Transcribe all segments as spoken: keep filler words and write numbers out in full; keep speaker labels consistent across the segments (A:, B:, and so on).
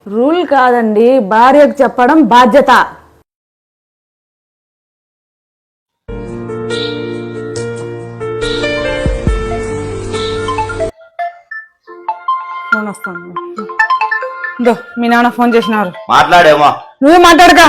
A: Rule కాదండి, భార్యకు చెప్పడం బాధ్యత. ఫోన్ వస్తాను. ఇదో మీ నాన్న ఫోన్ చేసినారు.
B: మాట్లాడేమో.
A: నువ్వే మాట్లాడక.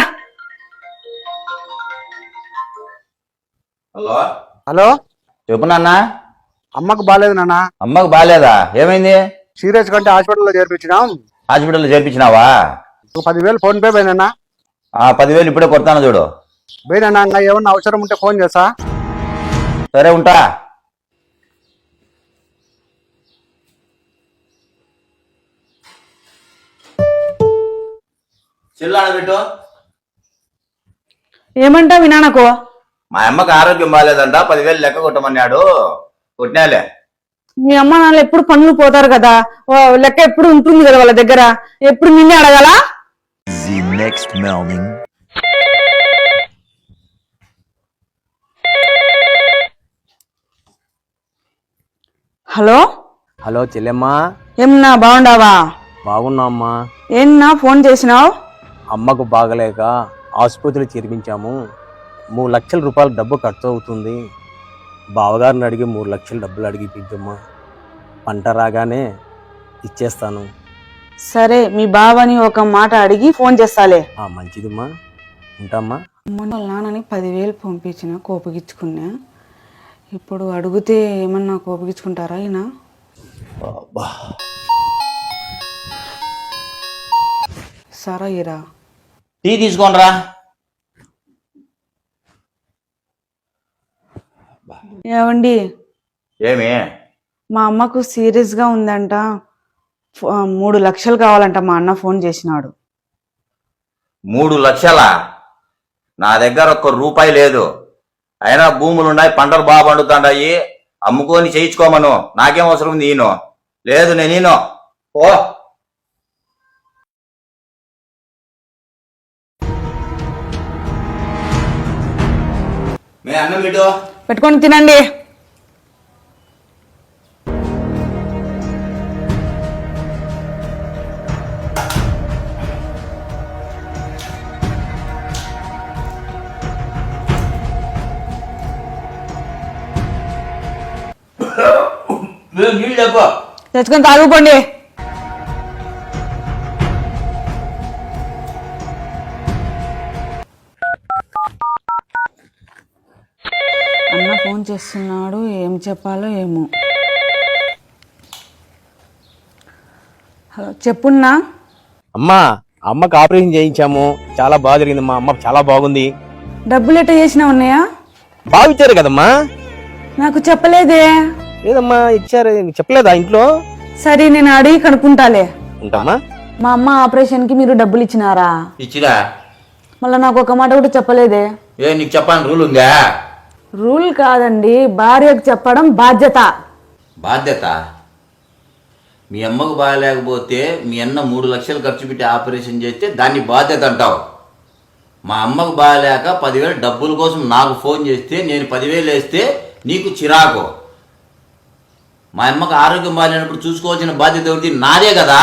B: హలో
C: హలో,
B: చెప్పు నాన్న.
C: అమ్మకు బాగాలేదు నాన్న.
B: అమ్మకు బాగాలేదా? ఏమైంది?
C: సీరియస్ కంటే హాస్పిటల్లో చేర్పించినాం.
B: హాస్పిటల్లో చేర్పించినావా?
C: ఒక పదివేలు ఫోన్ పే పోయినా.
B: ఆ పదివేలు ఇప్పుడే కొడతాను చూడు.
C: పోయినా, ఇంకా ఏమన్నా అవసరం ఉంటే ఫోన్ చేస్తా.
B: సరే ఉంటా. చిల్లాడ పెట్టు.
A: ఏమంటా మీ నాన్నకు?
B: మా అమ్మకి ఆరోగ్యం బాగాలేదంట, పదివేలు లెక్క కొట్టమన్నాడు. కొట్టినాలే.
A: మీ అమ్మ నాన్న ఎప్పుడు పనులు పోతారు కదా, లెక్క ఎప్పుడు ఉంటుంది కదా వాళ్ళ దగ్గర, ఎప్పుడు నిన్నే అడగాల? హలో
D: హలో చెల్లెమ్మా,
A: ఏమన్నా బాగుండావా?
D: బాగున్నా అమ్మా.
A: ఏమన్నా ఫోన్ చేసినావు?
D: అమ్మకు బాగలేక ఆసుపత్రి చేర్పించాము. మూడు లక్షల రూపాయల డబ్బు ఖర్చు అవుతుంది. బావగారిని అడిగి మూడు లక్షల డబ్బులు అడిగి ఇప్పించమ్మా. పంట రాగానే ఇచ్చేస్తాను.
A: సరే, మీ బావని ఒక మాట అడిగి ఫోన్ చేస్తాలే.
D: ఆ మంచిదమ్మా, ఉంటామ్మా.
A: మొన్న నాన్నని పదివేలు పంపించిన, కోపగించుకున్నా. ఇప్పుడు అడిగితే ఏమన్నా కోపగించుకుంటారా ఈయన? సరే ఇరా,
B: టీ తీసుకోనరా.
A: ఏమండి,
B: ఏమి?
A: మా అమ్మకు సీరియస్ గా ఉందంట, మూడు లక్షలు కావాలంట. మా అన్న ఫోన్ చేసినాడు.
B: మూడు లక్షలా? నా దగ్గర ఒక్క రూపాయి లేదు. అయినా భూములు ఉన్నాయి, పంటలు బాగా పండుతాయి. అమ్ముకొని చేయించుకోమను. నాకేం అవసరం ఉంది? ఈయన లేదు, నేను ఈయన ఓ మే అన్నం పెట్టు.
A: పెట్టుకొని తినండి.
B: నీళ్ళు చెప్పు.
A: తెచ్చుకొని తాగుకోండి. అన్న ఫోన్ చేస్తున్నాడు, ఏం చెప్పాలో ఏమో. హలో, చెప్పున్నా.
D: అమ్మా, అమ్మకు ఆపరేషన్ చేయించాము. చాలా బాగా జరిగింది. మా అమ్మ చాలా బాగుంది.
A: డబ్బులు ఎట్ట చేసినా ఉన్నాయా?
D: బాగా ఇచ్చారు కదమ్మా.
A: నాకు చెప్పలేదే.
D: లేదమ్మా, ఇచ్చారు. చెప్పలేదా ఇంట్లో?
A: సరే, నేను అడిగి కనుక్కుంటాలే.
D: ఉంటామా.
A: మా అమ్మ ఆపరేషన్ కి మీరు డబ్బులు ఇచ్చినారా?
B: ఇచ్చిరా.
A: మళ్ళీ నాకు ఒక మాట కూడా చెప్పలేదే.
B: ఏ నీకు చెప్పాలని రూల్ ఉందా?
A: రూల్ కాదండి, భార్యకు చెప్పడం బాధ్యత.
B: బాధ్యత? మీ అమ్మకు బాగాలేకపోతే మీ అన్న మూడు లక్షలు ఖర్చు పెట్టి ఆపరేషన్ చేస్తే దాన్ని బాధ్యత అంటావు. మా అమ్మకు బాగాలేక పదివేలు డబ్బుల కోసం నాకు ఫోన్ చేస్తే నేను పదివేలు వేస్తే నీకు చిరాకు. మా అమ్మకు ఆరోగ్యం బాగాలేనప్పుడు చూసుకోవాల్సిన బాధ్యత ఎవరిది? నాదే కదా.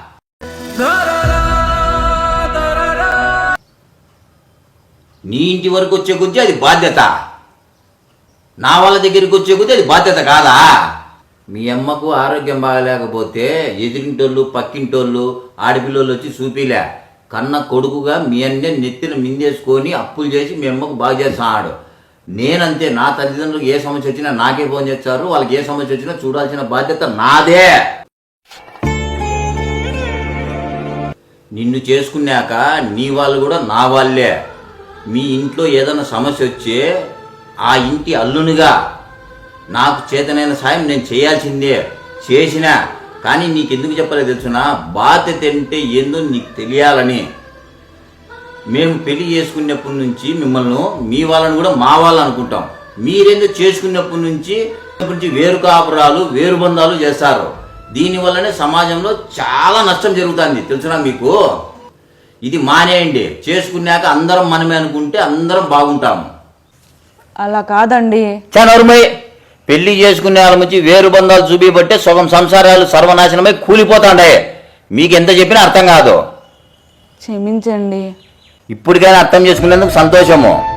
B: నీ ఇంటి వరకు వచ్చే కొద్దీ అది బాధ్యత, నా వాళ్ళ దగ్గరికి వచ్చే కొద్దీ అది బాధ్యత కాదా? మీ అమ్మకు ఆరోగ్యం బాగాలేకపోతే ఎదిరింటోళ్ళు, పక్కింటోళ్ళు, ఆడపిల్లోళ్ళు వచ్చి చూపిలే. కన్న కొడుకుగా మీ అన్నే నెత్తిన మిందేసుకొని అప్పులు చేసి మీ అమ్మకు బాగా చేస్తున్నాడు. నేనంతే. నా తల్లిదండ్రులకు ఏ సమస్య వచ్చినా నాకే ఫోన్ చేస్తారు. వాళ్ళకి ఏ సమస్య వచ్చినా చూడాల్సిన బాధ్యత నాదే. నిన్ను చేసుకున్నాక నీ వాళ్ళు కూడా నా వాళ్ళే. మీ ఇంట్లో ఏదైనా సమస్య వచ్చే ఆ ఇంటి అల్లునిగా నాకు చేతనైన సాయం నేను చేయాల్సిందే, చేసినా. కానీ నీకెందుకు చెప్పలేదు తెలుసునా? బాధ్యత అంటే ఏందో నీకు తెలియాలని. మేము పెళ్లి చేసుకున్నప్పటి నుంచి మిమ్మల్ని మీ వాళ్ళని కూడా మా వాళ్ళు అనుకుంటాం. మీరేందో చేసుకున్నప్పటి నుంచి నుంచి వేరు కాపురాలు, వేరు బంధాలు చేస్తారు. దీనివల్లనే సమాజంలో చాలా నష్టం జరుగుతుంది తెలుసునా మీకు. ఇది మానేయండి. చేసుకున్నాక అందరం మనమే అనుకుంటే అందరం బాగుంటాము.
A: అలా కాదండి.
B: చానోర్మై, పెళ్లి చేసుకునే వాళ్ళ నుంచి వేరు బంధాలు చూపిబట్టే సగం సంసారాలు సర్వనాశనమై కూలిపోతాండాయి. మీకు ఎంత చెప్పినా అర్థం కాదు.
A: క్షమించండి.
B: ఇప్పటికైనా అర్థం చేసుకునేందుకు సంతోషము.